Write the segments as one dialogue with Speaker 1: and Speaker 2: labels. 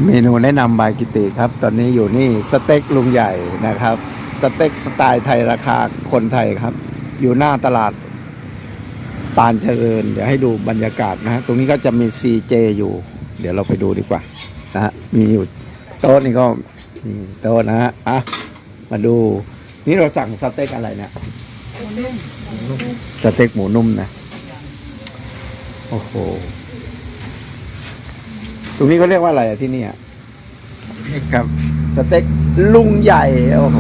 Speaker 1: เมนูแนะนำบายกิติครับ ตอนนี้อยู่นี่สเต็กลุงใหญ่นะครับสเต็กสไตล์ไทยราคาคนไทยครับ อยู่หน้าตลาดปานเจริญเดี๋ยวให้ดูบรรยากาศนะฮะตรงนี้ก็จะมี CJ อยู่ เดี๋ยวเราไปดูดีกว่านะฮะมีอยู่โต๊ะนี่ก็มีโต๊ะนะฮะอ่ะมาดูนี่เราสั่งสเต็กอะไรเนี่ยสเต็กหมูนุ่มนะโอ้โหตรงนี้เขาเรียกว่าอะไรอะที่นี่ครับสเต็กลุงใหญ่โอ้โห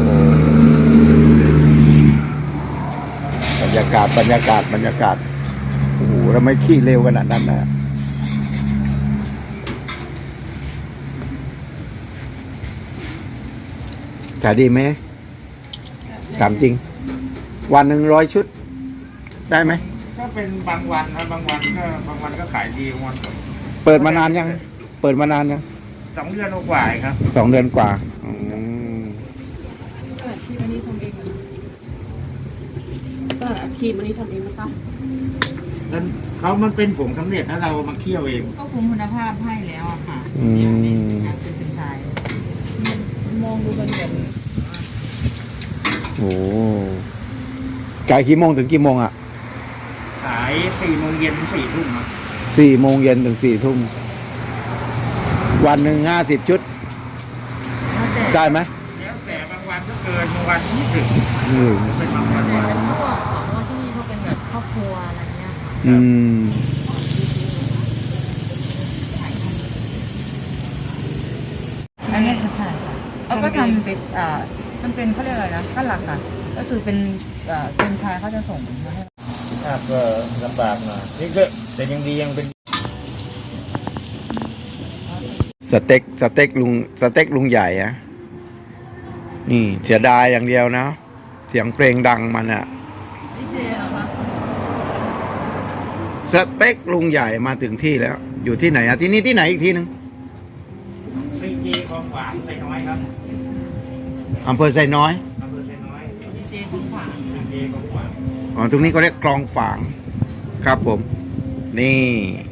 Speaker 1: บรรยากาศโอ้โหเราไม่ขี้เร็วขนาดนั้นนะขายดีไหมถามจริงวันหนึ่ง100 ชุดได้ไหม
Speaker 2: ก็เป็นบางวันนะบางวันก็ขายดีบางวันก็
Speaker 1: เปิดมานานยัง
Speaker 2: 2 เดือนกว่าครับ
Speaker 1: 2 เดือนกว่า
Speaker 3: ครีมอันนี้ทำเองก็ครีมอันนี้ทำเองนะคะ
Speaker 2: แล้วมันเป็นผงสำเร็จแล้วเรามาเคี่ยวเอง
Speaker 3: ก็คุมคุณภาพให้แล้วอะค่ะเนี่ยเป็นชายมองดูเป็นแบบ
Speaker 1: โอ้ขายกี่โมงถึงกี่โมงอ่ะ
Speaker 2: ขาย4 โมงเย็นถึง4 ทุ่มครับ
Speaker 1: 4 โมงเย็นถึง4 ทุ่มวันหนึ่ง50 ชุดได้ไหม
Speaker 2: แล้วแต่บางวันก็เกินบางวันไม่ถึงเป็นบางวัน
Speaker 3: แต่เป็นพวกของว่าที่นี่เขาเป็นแบบครอบครัวอะไรเงี้ยอันนี้คือใช่เขาก็ทำเป็นมันเป็นเขาเรียกอะไรนะก็หลักอ่ะก็คือเป็นชายเขาจะส่งมาให้
Speaker 2: ก็ลำบากหน่อยนี่ก็แต่ยังดียังเป็น
Speaker 1: สเต็กลุงใหญ่อะนี่เสียดายอย่างเดียวนะเสียงเพลงดังมันอะสเต็กลุงใหญ่มาถึงที่แล้วอยู่ที่ไหนอะที่นี่ที่ไหนอีกทีนึง
Speaker 2: CJ คลองขวางไซน้อยครับ
Speaker 1: อำเภอไซน้อย
Speaker 3: เจของขวาง
Speaker 2: CJ คลองขวาง
Speaker 1: อ๋อตรงนี้ก็เรียกคลองฝางครับผมนี่